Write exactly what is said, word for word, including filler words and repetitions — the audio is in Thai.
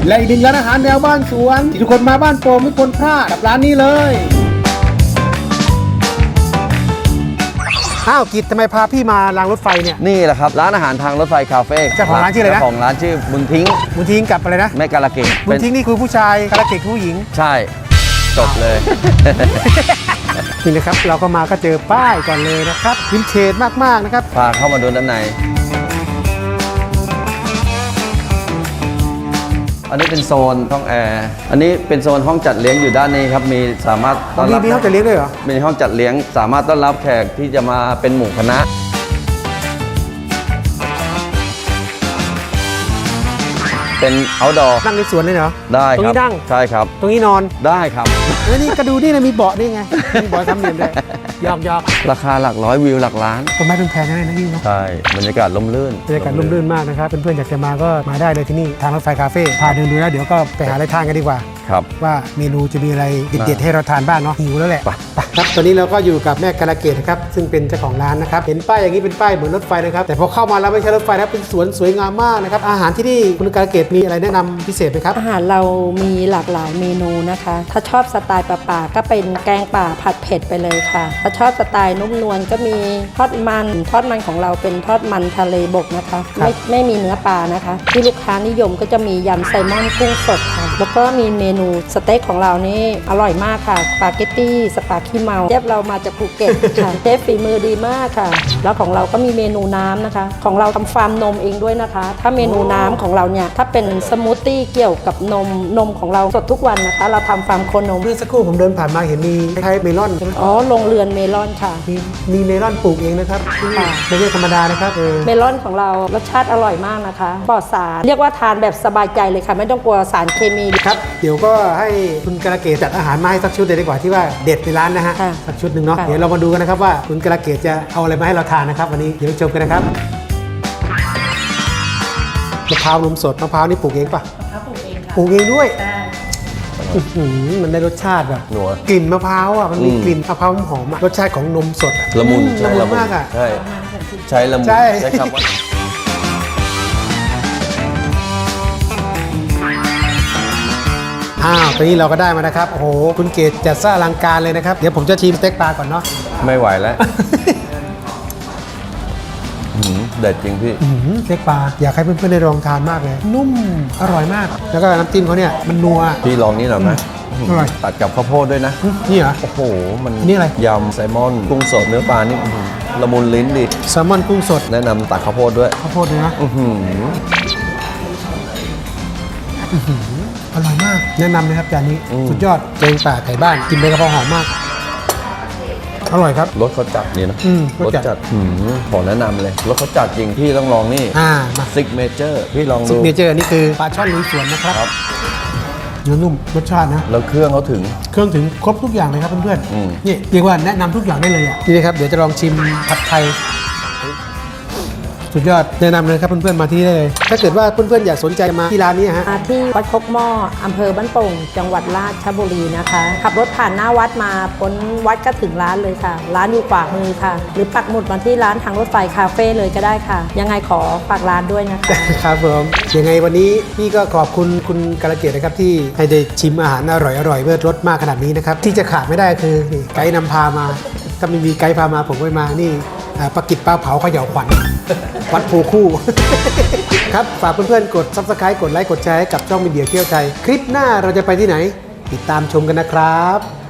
และอีกหนึ่งร้านอาหารแนวบ้านสวนที่ทุกคนมาบ้านโป่งไม่ควรพลาดกับร้านนี้เลยอ้าวกิจทำไมพาพี่มารางรถไฟเนี่ยนี่แหละครับร้านอาหารทางรถไฟคาเฟ่เจ้าของร้านชื่ออะไรนะเจ้าของร้านชื่อบุญทิ้งบุญทิ้งกับอะไรนะแม่กาลเกตบุญทิ้งนี่คือผู้ชายกาลเกตคือผู้หญิงใช่จบเลยนี่นะครับเราก็มาก็เจอป้ายก่อนเลยนะครับวินเทจมากๆนะครับพาเข้ามาดูด้านในอันนี้เป็นโซนห้องแอร์อันนี้เป็นโซนห้องจัดเลี้ยงอยู่ด้านนี้ครับมีสามารถต้อนรับมีห้องจัดเลี้ยงด้วยเหรอมีห้องจัดเลี้ยงสามารถต้อนรับแขกที่จะมาเป็นหมู่คณะเป็น outdoor นั่งในสวนเลยเหรอได้ครับตรงนี้นั่งใช่ครับตรงนี้นอนได้ครับแล้วนี่ก็ดูนี่นะมีเบาะนี่ไงมีเบาะทำเหลี่ยมเลยหยอกหยอกราคาหลักร้อยวิวหลักล้านต้นไม้เป็นแพงนะนี่เนาะใช่บรรยากาศร่มรื่นบรรยากาศร่มรื่นมากนะครับเพื่อนๆอยากจะมาก็มาได้เลยที่นี่ทางรถไฟคาเฟ่พาเดินดูแล้วเดี๋ยวก็ไปหาอะไรทานกันดีกว่าครับว่าเมนูจะมีอะไรเด็ดๆให้เราทานบ้างเนาะหิวแล้วแหละครับตอนนี้เราก็อยู่กับแม่กาลเกตนะครับซึ่งเป็นเจ้าของร้านนะครับเห็นป้ายอย่างนี้เป็นป้ายเหมือนรถไฟนะครับแต่พอเข้ามาแล้วไม่ใช่รถไฟนะเป็นสวนสวยงามมากนะครับอาหารที่นี่คุณกาลเกตมีอะไรแนะนำพิเศษไหมครับอาหารเรามีหลากหลายเมนูนะคะถ้าชอบสไตล์ป่าๆก็เป็นแกงป่าผัดเผ็ดไปเลยค่ะถ้าชอบสไตล์นุ่มนวลก็มีทอดมันทอดมันของเราเป็นทอดมันทะเลบกนะคะไม่ไม่มีเนื้อปลานะคะที่ลูกค้านิยมก็จะมียำไซมอนกุ้งสดค่ะแล้วก็มีเมนูสเต็กของเรานี่อร่อยมากค่ะสปาเกตตี้สปาขี้เมาเชฟเรามาจากภูเก็ตค่ะเชฟฝีมือดีมากค่ะแล้วของเราก็มีเมนูน้ำนะคะของเราทำฟาร์มนมเองด้วยนะคะถ้าเมนูน้ำของเราเนี่ยถ้าเป็นสมูทตี้เกี่ยวกับนมนมของเราสดทุกวันนะคะเราทำฟาร์มโคนมเมื่อสักครู่ผมเดินผ่านมาเห็นมีคล้ายเมลอนอ๋อโรงเรือนเมลอนค่ะมีมีเมลอนปลูกเองนะครับไม่ใช่ธรรมดานะครับเมลอนของเรารสชาติอร่อยมากนะคะปลอดสารเรียกว่าทานแบบสบายใจเลยค่ะไม่ต้องกลัวสารเคมีครับเดี๋ยวก็ให้คุณกาลเกตจัดอาหารมาให้สักชุดเลยดีกว่าที่ว่าเด็ดในร้านนะฮะสักชุดหนึ่งเนาะเดี๋ยวเรามาดูกันนะครับว่าคุณกาลเกตจะเอาอะไรมาให้เราทานนะครับวันนี้เดี๋ยวชมกันนะครับมะพร้าวนมสดมะพร้าวนี่ปลูกเองป่ะปลูกเองค่ะปลูกเองด้วยมันได้รสชาติแบบกลิ่นมะพร้าวอ่ะมันมีกลิ่นมะพร้าวหอมรสชาติของนมสดละมุนละมุนมากอ่ะใช่ใช้ละมุนใช้คำว่าอ้าวตอนนี้เราก็ได้มานะครับโอ้โหคุณเกตจัดซะอลังการเลยนะครับเดี๋ยวผมจะชิมสเต็กปลาก่อนเนาะไม่ไหวแล้วเด็ดจริงพี่สเต็กปลาอยากให้เพื่อนๆได้ลองทานมากเลยนุ่มอร่อยมากแล้วก็น้ำจิ้มเขาเนี่ยมันนัวพี่ลองนี่หน่อยไหมตัดกับข้าวโพดด้วยนะนี่เหรอโอ้โหมันนี่อะไรยำไซมอนกุ้งสดเนื้อปลานี่ละมุนลิ้นดิแซลมอนกุ้งสดแนะนำตัดข้าวโพดด้วยข้าวโพดด้วยนะอร่อยมากแนะนำเลยครับจานนี้สุดยอดแกงป่าไก่บ้านกินไปกระเพราหอมมากอร่อยครับรสเขาจัดนี่นะรสจัดขอแนะนำเลยรสเขาจัดจริงพี่ต้องลองนี่ซิกเมเจอร์พี่ลองดูซิกเมเจอร์นี่คือปลาช่อนลุยสวนนะครับเนื้อนุ่มรสชาตินะแล้วเครื่องเขาถึงเครื่องถึงครบทุกอย่างเลยครับเพื่อนๆนี่เรียกว่าแนะนำทุกอย่างได้เลยอ่ะนี่นะครับเดี๋ยวจะลองชิมผัดไทยสุดยอดแนะนำเลยครับเพื่อนๆมาที่นี่ได้เลยถ้าเกิดว่าเพื่อนๆอยากสนใจมาที่ร้านนี้ฮะที่วัดคกหม้ออำเภอบ้านโป่งจังหวัดราชบุรีนะคะขับรถผ่านหน้าวัดมาพ้นวัดก็ถึงร้านเลยค่ะร้านอยู่ขวามือค่ะหรือปักหมุดมาที่ร้านทางรถไฟคาเฟ่เลยก็ได้ค่ะยังไงขอฝากร้านด้วยนะคะครับผมยังไงวันนี้พี่ก็ขอบคุณคุณกาลเกตนะครับที่ให้ได้ชิมอาหารอร่อยๆเมื่อรสมากขนาดนี้นะครับที่จะขาดไม่ได้คือไกด์นำพามาถ้าไม่มีไกด์พามาผมไม่มานี่ปลากิดปลาเผาเขย่าขวัญวัดโพคู่ครับฝากเพื่อนๆกด ซับสไครบ์ กดไลค์กดแชร์ให้กับช่องมีเดียเที่ยวไทยคลิปหน้าเราจะไปที่ไหนติดตามชมกันนะครับ